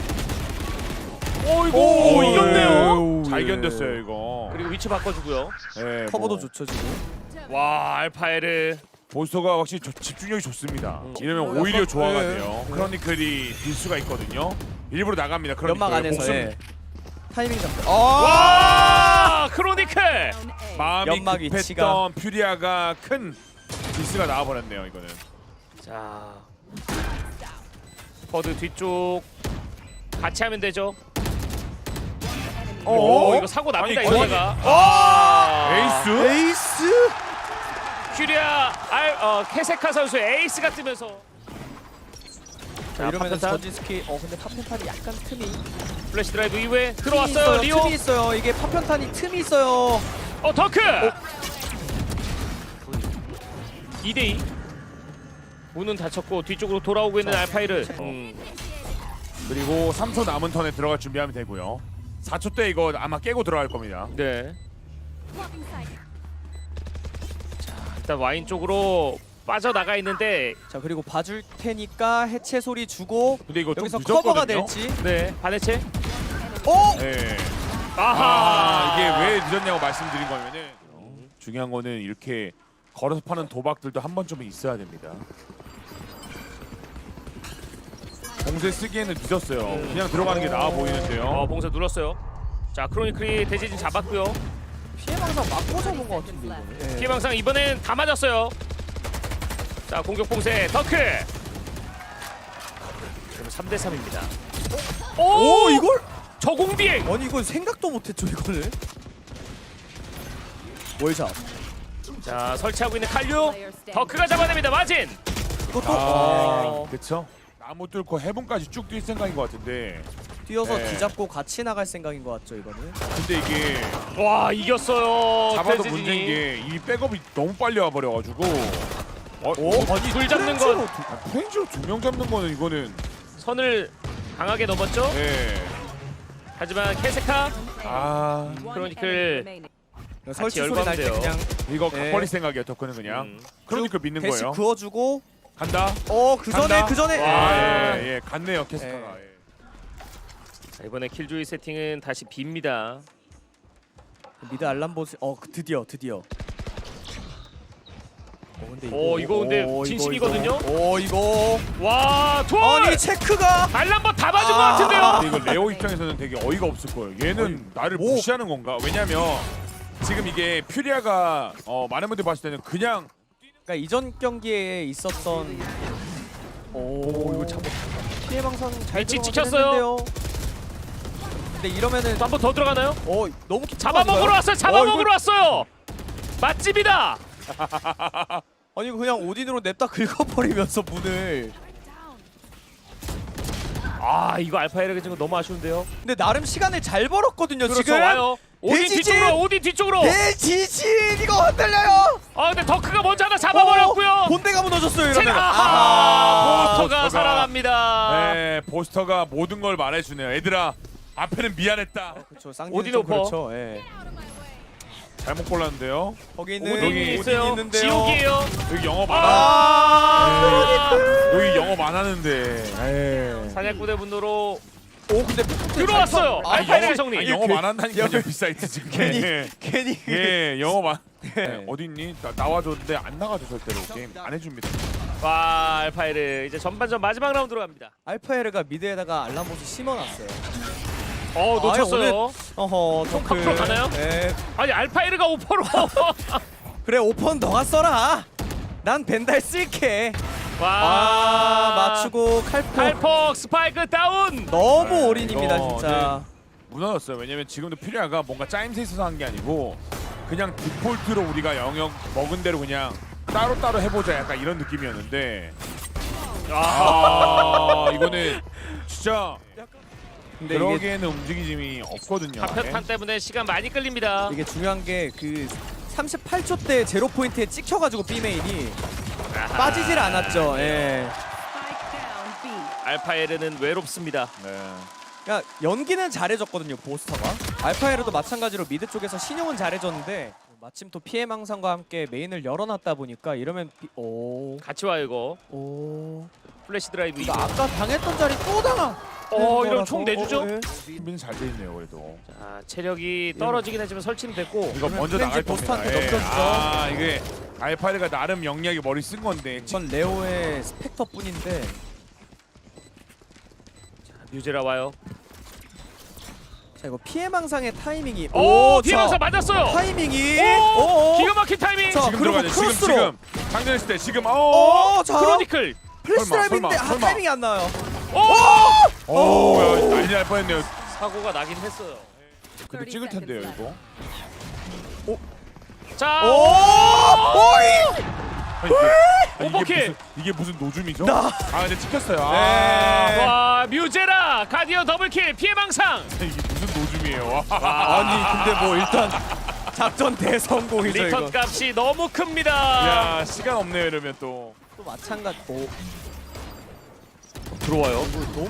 [SPEAKER 1] 이거 이겼네요.
[SPEAKER 2] 잘 견뎠어요 이거.
[SPEAKER 1] 그리고 위치 바꿔주고요.
[SPEAKER 2] 예,
[SPEAKER 3] 커버도
[SPEAKER 2] 뭐.
[SPEAKER 3] 좋죠 지금.
[SPEAKER 1] 와 알파에르.
[SPEAKER 2] 보스터가 확실히 집중력이 좋습니다. 이러면 오히려 조화가
[SPEAKER 3] 네.
[SPEAKER 2] 돼요. 크로니클이 딜 수가 있거든요. 일부러 나갑니다. 크로니클.
[SPEAKER 3] 연막 안에서
[SPEAKER 2] 목숨,
[SPEAKER 3] 예. 타이밍 잡고.
[SPEAKER 1] 와 크로니클.
[SPEAKER 4] Down A.
[SPEAKER 2] 마음이
[SPEAKER 3] 연막
[SPEAKER 2] 급했던
[SPEAKER 3] 위치가.
[SPEAKER 2] 퓨리아가 큰 디스가 나와버렸네요 이거는.
[SPEAKER 1] 자, 버드 뒤쪽 같이 하면 되죠. 오, 이거 사고 납니다.
[SPEAKER 2] 아니,
[SPEAKER 1] 이러다가
[SPEAKER 2] 에이스?
[SPEAKER 3] 에이스?
[SPEAKER 1] 큐리아 케세카 선수의 에이스가 뜨면서
[SPEAKER 3] 자, 이러면
[SPEAKER 1] 파편탄.
[SPEAKER 3] 전진 스킬. 근데 파편탄이 약간 틈이
[SPEAKER 1] 플래시 드라이브 이후에
[SPEAKER 3] 틈이
[SPEAKER 1] 들어왔어요.
[SPEAKER 3] 있어요,
[SPEAKER 1] 리오.
[SPEAKER 3] 틈이 있어요. 이게 파편탄이 틈이 있어요.
[SPEAKER 1] 더크. 2대2. 문은 닫혔고 뒤쪽으로 돌아오고 있는 알파이르.
[SPEAKER 2] 그리고 3초 남은 턴에 들어갈 준비하면 되고요. 4초 때 이거 아마 깨고 들어갈 겁니다.
[SPEAKER 1] 네. 자, 일단 와인 쪽으로 빠져나가 있는데
[SPEAKER 3] 자, 그리고 봐줄 테니까 해체 소리 주고
[SPEAKER 2] 근데 이거
[SPEAKER 3] 여기서
[SPEAKER 2] 좀
[SPEAKER 3] 커버가
[SPEAKER 2] 늦었거든요.
[SPEAKER 3] 될지.
[SPEAKER 1] 네, 반해체.
[SPEAKER 3] 오!
[SPEAKER 2] 네.
[SPEAKER 1] 아하.
[SPEAKER 2] 이게 왜 늦었냐고 말씀드린 거면은 중요한 거는 이렇게 걸어서 파는 도박들도 한 번쯤은 있어야 됩니다. 봉쇄 쓰기에는 늦었어요. 그냥 들어가는 게 나아 보이는데요.
[SPEAKER 1] 봉쇄 눌렀어요. 자, 크로니클이 대지진 잡았고요.
[SPEAKER 3] 피해망상 맞고 잡은 것 같은데 이거는. 예.
[SPEAKER 1] 피해망상 이번엔 다 맞았어요. 자, 공격 봉쇄 더크. 그럼 3대 3입니다.
[SPEAKER 3] 오, 이걸?
[SPEAKER 1] 저공 비행.
[SPEAKER 3] 아니 이건 생각도 못했죠 이거를. 월샷.
[SPEAKER 1] 자, 설치하고 있는 칼류. 더크가 잡아냅니다. 마진.
[SPEAKER 3] 이것도
[SPEAKER 2] 그렇죠. 나무 뚫고 해븐까지 쭉 뛸 생각인 것 같은데
[SPEAKER 3] 뛰어서
[SPEAKER 2] 네.
[SPEAKER 3] 뒤잡고 같이 나갈 생각인 것 같죠 이거는.
[SPEAKER 2] 근데 이게
[SPEAKER 1] 와, 이겼어요.
[SPEAKER 2] 잡아도
[SPEAKER 1] 대지진이.
[SPEAKER 2] 문제인 게 이 백업이 너무 빨리 와버려가지고
[SPEAKER 1] 아니, 불 잡는 건
[SPEAKER 2] 프렌즈로 2명 잡는 거는 이거는
[SPEAKER 1] 선을 강하게 넘었죠.
[SPEAKER 2] 예.
[SPEAKER 1] 하지만 케세카
[SPEAKER 2] 아
[SPEAKER 1] 크로니클
[SPEAKER 3] 설치 소리 날 때
[SPEAKER 1] 열광돼요.
[SPEAKER 3] 그냥
[SPEAKER 2] 이거
[SPEAKER 3] 네.
[SPEAKER 2] 버릴 생각이에요. 덕후는 그냥 크로니클 믿는
[SPEAKER 3] 대시
[SPEAKER 2] 거예요.
[SPEAKER 3] 그어주고.
[SPEAKER 2] 간다.
[SPEAKER 3] 그 전에
[SPEAKER 2] 간다.
[SPEAKER 3] 그 전에.
[SPEAKER 2] 아, 예, 예, 갔네요 캐스터가. 예.
[SPEAKER 1] 자, 이번에 킬조이 세팅은 다시 빕니다.
[SPEAKER 3] 미드 알람보스. 드디어. 근데
[SPEAKER 1] 이거 근데 진심이거든요?
[SPEAKER 3] 이거.
[SPEAKER 1] 와, 투어!
[SPEAKER 3] 아니 체크가.
[SPEAKER 1] 알람버 다 맞은 것 같은데요?
[SPEAKER 2] 근데 이거 레오 입장에서는 되게 어이가 없을 거예요. 얘는 나를
[SPEAKER 3] 뭐.
[SPEAKER 2] 무시하는 건가? 왜냐면 지금 이게 퓨리아가 많은 분들이 봤을 때는 그냥
[SPEAKER 3] 그러니까 이전 경기에 있었던.
[SPEAKER 2] 이거 잡아.
[SPEAKER 3] 피해망상 잘
[SPEAKER 1] 위치
[SPEAKER 3] 들어가긴
[SPEAKER 1] 지켰어요.
[SPEAKER 3] 했는데요. 근데 이러면은
[SPEAKER 1] 또 한 번 더 들어가나요?
[SPEAKER 3] 너무
[SPEAKER 1] 잡아먹으러 왔어요. 잡아먹으러 왔어요. 맛집이다.
[SPEAKER 3] 아니 그냥 오딘으로 냅다 긁어버리면서 문을.
[SPEAKER 1] 아, 이거 알파이르가 지금 너무 아쉬운데요.
[SPEAKER 3] 근데 나름 시간을 잘 벌었거든요
[SPEAKER 1] 그렇죠,
[SPEAKER 3] 지금.
[SPEAKER 1] 와요. 오딘
[SPEAKER 3] 대지진!
[SPEAKER 1] 뒤쪽으로, 오딘 뒤쪽으로.
[SPEAKER 3] 대지진 이거 흔들려요.
[SPEAKER 1] 근데 더크가 먼저 하나 잡아버렸고요.
[SPEAKER 3] 본대가 무너졌어요 이러면.
[SPEAKER 1] 보스터가
[SPEAKER 2] 보스터가.
[SPEAKER 1] 살아납니다.
[SPEAKER 2] 네, 보스터가 모든 걸 말해주네요. 얘들아 앞에는 미안했다.
[SPEAKER 3] 그렇죠.
[SPEAKER 1] 오딘
[SPEAKER 3] 쌍둥이
[SPEAKER 1] 오퍼.
[SPEAKER 3] 그렇죠. 예.
[SPEAKER 2] 잘못 골랐는데요.
[SPEAKER 3] 거기 있는
[SPEAKER 1] 오딘이 있어요.
[SPEAKER 3] 있는데요.
[SPEAKER 1] 지옥이에요.
[SPEAKER 2] 여기 영어 많아. 여기 영어 많았는데.
[SPEAKER 1] 사냥꾼의 분노로
[SPEAKER 3] 근데
[SPEAKER 1] 들어왔어요. 알파이르 정리.
[SPEAKER 2] 영어 많았다니까요. 비사이트 지금.
[SPEAKER 3] 괜히
[SPEAKER 2] 예, 영어 많.
[SPEAKER 3] 네.
[SPEAKER 2] 어디 있니? 나와줬는데 안 나가죠 절대로. 게임 안 해줍니다.
[SPEAKER 1] 와, 알파이르 이제 전반전 마지막 라운드로 갑니다.
[SPEAKER 3] 알파에르가 미드에다가 알람보스 심어놨어요.
[SPEAKER 1] 놓쳤어요.
[SPEAKER 3] 좀
[SPEAKER 1] 앞으로 가나요?
[SPEAKER 3] 네.
[SPEAKER 1] 아니, 알파이르가 오퍼로.
[SPEAKER 3] 그래 오펀 너가 써라. 난 벤달 쓸게.
[SPEAKER 1] 와,
[SPEAKER 3] 맞추고 칼포.
[SPEAKER 1] 칼폭 스파이크 다운.
[SPEAKER 3] 너무 올인입니다
[SPEAKER 2] 이거,
[SPEAKER 3] 진짜.
[SPEAKER 2] 무너졌어요. 왜냐면 지금도 퓨리아가 뭔가 짜임새 있어서 한 게 아니고 그냥 디폴트로 우리가 영역 먹은 대로 그냥 따로따로 해보자 약간 이런 느낌이었는데 이거는 진짜
[SPEAKER 3] 근데 이게,
[SPEAKER 2] 그러기에는 움직임이 없거든요.
[SPEAKER 1] 파편탄 때문에 시간 많이 끌립니다.
[SPEAKER 3] 이게 중요한 게 그 38초 때 제로 포인트에 찍혀가지고 B 메인이 빠지질 않았죠. 예.
[SPEAKER 4] Spike down B.
[SPEAKER 1] 알파이르는 외롭습니다.
[SPEAKER 2] 네.
[SPEAKER 3] 그러니까 연기는 잘해줬거든요 보스터가. 알파에르도 마찬가지로 미드 쪽에서 신용은 잘해줬는데 마침 또 피해망상과 함께 메인을 열어놨다 보니까 이러면
[SPEAKER 1] 같이 와요 이거. 플래시 드라이브.
[SPEAKER 3] 이거 아까 당했던 자리 또 당하.
[SPEAKER 1] 이러면 총 내주죠?
[SPEAKER 3] 예.
[SPEAKER 2] 준비는 잘 돼 있네요 그래도.
[SPEAKER 1] 자, 체력이 떨어지긴 하지만 설치는 됐고.
[SPEAKER 2] 이거 먼저
[SPEAKER 3] 프렌즈
[SPEAKER 2] 나갈 겁니다.
[SPEAKER 3] 보스터한테 넘겨주죠.
[SPEAKER 2] 이게 알파이르가 나름 영리하게 머리 쓴 건데
[SPEAKER 3] 이건 레오의 스펙터뿐인데.
[SPEAKER 1] 뮤제라 와요.
[SPEAKER 3] 자 이거 피해망상의 타이밍이.
[SPEAKER 1] 뒤에서 맞았어요.
[SPEAKER 3] 타이밍이.
[SPEAKER 1] 기가 막힌 타이밍.
[SPEAKER 3] 자,
[SPEAKER 2] 지금
[SPEAKER 3] 그리고
[SPEAKER 2] 들어가죠.
[SPEAKER 3] 크로스로.
[SPEAKER 2] 지금 장전했을 때 지금
[SPEAKER 3] 자
[SPEAKER 1] 크로니클.
[SPEAKER 3] 플래시
[SPEAKER 2] 설마,
[SPEAKER 3] 드라이브인데
[SPEAKER 2] 설마.
[SPEAKER 3] 타이밍이 안 나요.
[SPEAKER 2] 야, 난리 날 뻔했네요.
[SPEAKER 1] 사고가 나긴 했어요.
[SPEAKER 2] 근데 찍을 텐데요 이거.
[SPEAKER 1] 자, 오버킬!
[SPEAKER 2] 이게 무슨 노줌이죠? 아 근데 찍혔어요.
[SPEAKER 3] 네.
[SPEAKER 1] 와 뮤제라 가디언 더블킬 피해 방상.
[SPEAKER 2] 이게 무슨 노줌이에요? 와.
[SPEAKER 3] 아니 근데 뭐 일단 작전 대성공이죠 이거.
[SPEAKER 1] 리턴 값이 너무 큽니다.
[SPEAKER 2] 야 시간 없네요 이러면 또.
[SPEAKER 3] 또 마찬가지.
[SPEAKER 1] 들어와요.
[SPEAKER 3] 너무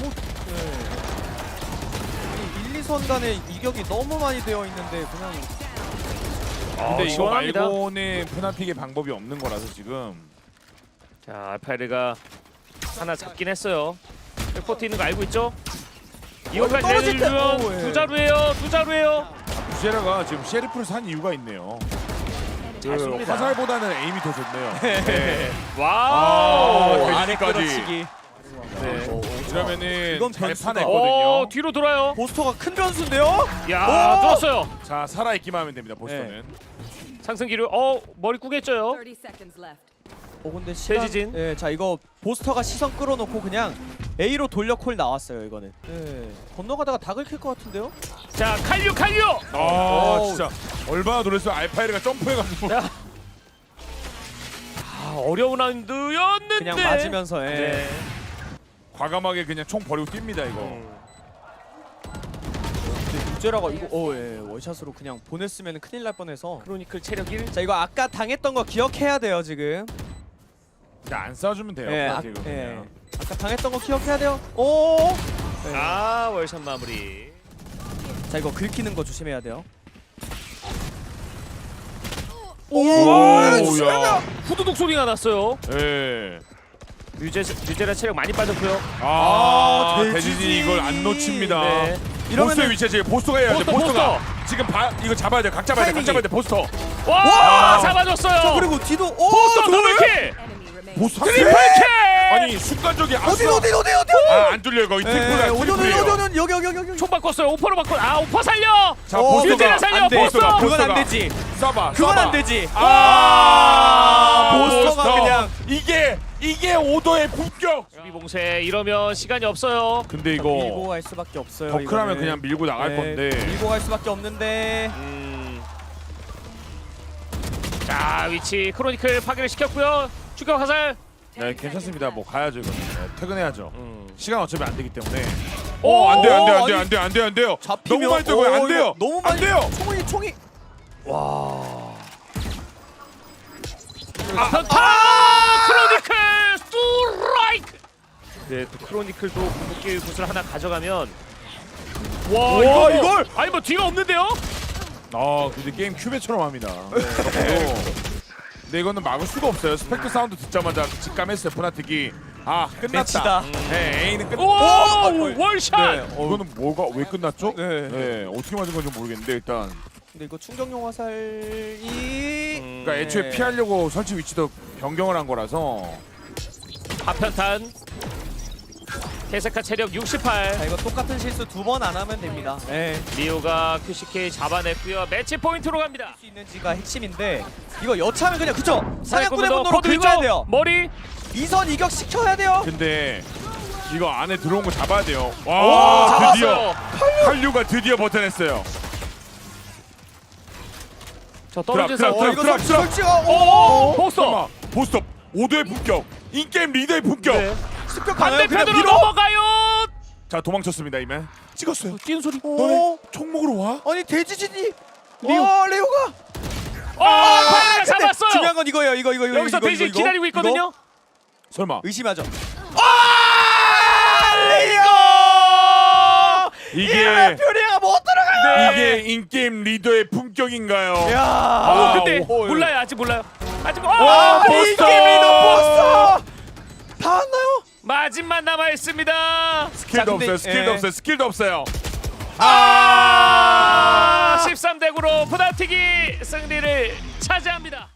[SPEAKER 3] 이 1, 2선 간의 이격이 너무 많이 되어 있는데 그냥
[SPEAKER 2] 근데 이거
[SPEAKER 1] 시원합니다.
[SPEAKER 2] 말고는 푸나픽의 방법이 없는 거라서 지금.
[SPEAKER 1] 자 알파이르가 하나 잡긴 했어요. 포트 있는 거 알고 있죠? 이거까지
[SPEAKER 3] 떨어질 때-
[SPEAKER 1] 내리면
[SPEAKER 3] 오, 예.
[SPEAKER 1] 두 자루예요.
[SPEAKER 2] 부제라가 지금 셰리프를 산 이유가 있네요.
[SPEAKER 1] 잘 쏩니다.
[SPEAKER 2] 화살보다는 에임이 더 좋네요. 네.
[SPEAKER 1] 와우.
[SPEAKER 3] 아래
[SPEAKER 2] 돼지까지.
[SPEAKER 3] 끌어치기.
[SPEAKER 1] 네.
[SPEAKER 2] 이러면은
[SPEAKER 3] 이건
[SPEAKER 2] 잘
[SPEAKER 3] 변수다.
[SPEAKER 2] 파냈거든요.
[SPEAKER 1] 뒤로 돌아요.
[SPEAKER 3] 보스터가 큰 변수인데요?
[SPEAKER 1] 야
[SPEAKER 3] 오!
[SPEAKER 1] 좋았어요.
[SPEAKER 2] 자 살아있기만 하면 됩니다. 보스터는.
[SPEAKER 1] 상승기류. 머리 꾸겠죠요.
[SPEAKER 4] 30 seconds left.
[SPEAKER 3] 근데 시간.
[SPEAKER 1] 대지진.
[SPEAKER 3] 예, 자 이거 보스터가 시선 끌어놓고 그냥 A로 돌려 콜 나왔어요 이거는. 예. 건너가다가 다 긁힐 것 같은데요?
[SPEAKER 1] 자 칼류.
[SPEAKER 2] 아 진짜 얼마나 놀랐어요. 알파이르가 점프해가지고.
[SPEAKER 1] 야. 어려운 라운드였는데
[SPEAKER 3] 그냥 맞으면서. 예.
[SPEAKER 1] 네.
[SPEAKER 2] 과감하게 그냥 총 버리고 뜁니다 이거.
[SPEAKER 3] 근데 유제라가 이거 원샷으로 그냥 보냈으면 큰일 날 뻔해서.
[SPEAKER 1] 크로니클 체력 1.
[SPEAKER 3] 자 이거 아까 당했던 거 기억해야 돼요 지금.
[SPEAKER 2] 그냥 안 싸주면 돼요.
[SPEAKER 3] 예,
[SPEAKER 2] 푸나틱은 그냥.
[SPEAKER 3] 아까 당했던 거 기억해야 돼요. 오. 네.
[SPEAKER 1] 월샷 마무리.
[SPEAKER 3] 자 이거 긁히는 거 조심해야 돼요.
[SPEAKER 2] 야.
[SPEAKER 1] 후두둑 소리가 났어요.
[SPEAKER 2] 예.
[SPEAKER 1] 뮤제라 체력 많이 빠졌고요.
[SPEAKER 2] 대지진이 이걸 안 놓칩니다.
[SPEAKER 1] 네.
[SPEAKER 2] 보스의 위치에 지금 보스가 해야 돼.
[SPEAKER 1] 보스터,
[SPEAKER 2] 보스가 지금 이거 잡아야 돼. 각 잡아야 돼. 각
[SPEAKER 3] 타이밍이.
[SPEAKER 2] 잡아야 돼. 보스터.
[SPEAKER 1] 와,
[SPEAKER 2] 와!
[SPEAKER 1] 잡아줬어요.
[SPEAKER 3] 그리고 뒤도
[SPEAKER 1] 포스터 더블킬.
[SPEAKER 4] Enemy remains.
[SPEAKER 2] 보스
[SPEAKER 1] 트리플킬.
[SPEAKER 2] 아니 순간적이
[SPEAKER 3] 어디
[SPEAKER 2] 안 뚫려 이거. 트리플이에요.
[SPEAKER 3] 여기
[SPEAKER 1] 총 바꿨어요. 오퍼로 바꿔. 오퍼 살려.
[SPEAKER 2] 자
[SPEAKER 1] 뮤제라
[SPEAKER 2] 보스가
[SPEAKER 1] 살려.
[SPEAKER 3] 안 돼.
[SPEAKER 1] 보스터.
[SPEAKER 3] 그건 안 되지.
[SPEAKER 2] 쏴봐.
[SPEAKER 3] 그건
[SPEAKER 2] 쏴봐.
[SPEAKER 3] 안 되지.
[SPEAKER 2] 보스터가
[SPEAKER 3] 보스터가 그냥.
[SPEAKER 2] 이게 오더의 품격.
[SPEAKER 1] 수비 봉쇄 이러면 시간이 없어요.
[SPEAKER 2] 근데
[SPEAKER 3] 밀고
[SPEAKER 2] 이거
[SPEAKER 3] 갈 수밖에 없어요.
[SPEAKER 2] 더크라면
[SPEAKER 3] 이거는.
[SPEAKER 2] 그냥 밀고 나갈
[SPEAKER 3] 네,
[SPEAKER 2] 건데.
[SPEAKER 3] 밀고 갈 수밖에 없는데.
[SPEAKER 1] 자 위치 크로니클 파괴를 시켰고요. 추격 화살.
[SPEAKER 2] 네 괜찮습니다. 뭐 가야죠 이거. 네, 퇴근해야죠.
[SPEAKER 1] 음.
[SPEAKER 2] 시간 어차피 안 되기 때문에.
[SPEAKER 1] 오,
[SPEAKER 2] 안 돼요.
[SPEAKER 3] 아니,
[SPEAKER 2] 안 돼요.
[SPEAKER 3] 잡히면
[SPEAKER 2] 너무 많이 뜨고요. 안 돼요.
[SPEAKER 3] 너무
[SPEAKER 2] 안
[SPEAKER 3] 많이
[SPEAKER 2] 돼요.
[SPEAKER 3] 총이.
[SPEAKER 1] 크로니클 스트라이크. 네, 또 크로니클도 궁극기 굿을 하나 가져가면 와 이걸 아니 뭐 뒤가 없는데요?
[SPEAKER 2] 근데 게임 큐베처럼 합니다. 근데 이거는 막을 수가 없어요. 스펙터 사운드 듣자마자 직감했어요. 푸나틱이 끝났다.
[SPEAKER 3] 매치다.
[SPEAKER 2] 네, A는 끝.
[SPEAKER 1] 와 월샷.
[SPEAKER 2] 이거는 뭐가 왜 끝났죠?
[SPEAKER 3] 네.
[SPEAKER 2] 어떻게 맞은 건지 모르겠는데 일단
[SPEAKER 3] 근데 이거 충격용 화살이.
[SPEAKER 2] 그러니까 애초에
[SPEAKER 3] 네.
[SPEAKER 2] 피하려고 설치 위치도 변경을 한 거라서.
[SPEAKER 1] 파편탄. 케세카 체력 68.
[SPEAKER 3] 자 이거 똑같은 실수 2번 안 하면 됩니다. 네.
[SPEAKER 1] 리오가 QCK 잡아냈고요. 매치 포인트로 갑니다.
[SPEAKER 3] 할 수 있는지가 핵심인데 이거 여차하면 그냥 그쵸? 사냥꾼의
[SPEAKER 1] 사냥꾼도
[SPEAKER 3] 분노로
[SPEAKER 1] 코드
[SPEAKER 3] 긁어야
[SPEAKER 1] 위쪽,
[SPEAKER 3] 돼요.
[SPEAKER 1] 머리.
[SPEAKER 3] 이선 이격 시켜야 돼요.
[SPEAKER 2] 근데 이거 안에 들어온 거 잡아야 돼요.
[SPEAKER 1] 오,
[SPEAKER 2] 와 드디어
[SPEAKER 1] 잡았어요.
[SPEAKER 2] 칼류가 드디어 버텨냈어요.
[SPEAKER 1] 저 떨어진
[SPEAKER 2] 드랍,
[SPEAKER 1] 상태.
[SPEAKER 2] 드랍, 드랍.
[SPEAKER 3] 설치가
[SPEAKER 1] 포스터.
[SPEAKER 2] 설마 보스톱 5도의 품격 인게임 리더의 품격.
[SPEAKER 1] 네.
[SPEAKER 3] 습격하나요? 그냥
[SPEAKER 1] 반대편으로
[SPEAKER 3] 밀어.
[SPEAKER 1] 넘어가요.
[SPEAKER 2] 자 도망쳤습니다 이면. 찍었어요.
[SPEAKER 1] 뛰는 소리.
[SPEAKER 2] 너네 총 먹으러 와?
[SPEAKER 3] 아니 대지진이.
[SPEAKER 1] 리오.
[SPEAKER 3] 레오가.
[SPEAKER 1] 파이가
[SPEAKER 3] 근데
[SPEAKER 1] 잡았어요.
[SPEAKER 3] 중요한 건 이거예요. 이거
[SPEAKER 1] 여기서 대신
[SPEAKER 3] 이거.
[SPEAKER 1] 기다리고 있거든요.
[SPEAKER 3] 이거?
[SPEAKER 2] 설마
[SPEAKER 3] 의심하죠.
[SPEAKER 2] 이게
[SPEAKER 3] 퓨리아가 못 들어가요.
[SPEAKER 2] 이게 인게임 리더의 품격인가요?
[SPEAKER 3] 야.
[SPEAKER 1] 근데
[SPEAKER 2] 오,
[SPEAKER 1] 몰라요. 아직 몰라요. 아직
[SPEAKER 2] 보스터!
[SPEAKER 3] 보스터. 다 왔나요?
[SPEAKER 1] 마지막 남아 있습니다.
[SPEAKER 2] 스킬도
[SPEAKER 3] 자, 근데-
[SPEAKER 2] 없어요. 스킬도
[SPEAKER 3] 예.
[SPEAKER 2] 없어요. 스킬도 없어요.
[SPEAKER 1] 13대 9로 푸나틱이 승리를 차지합니다.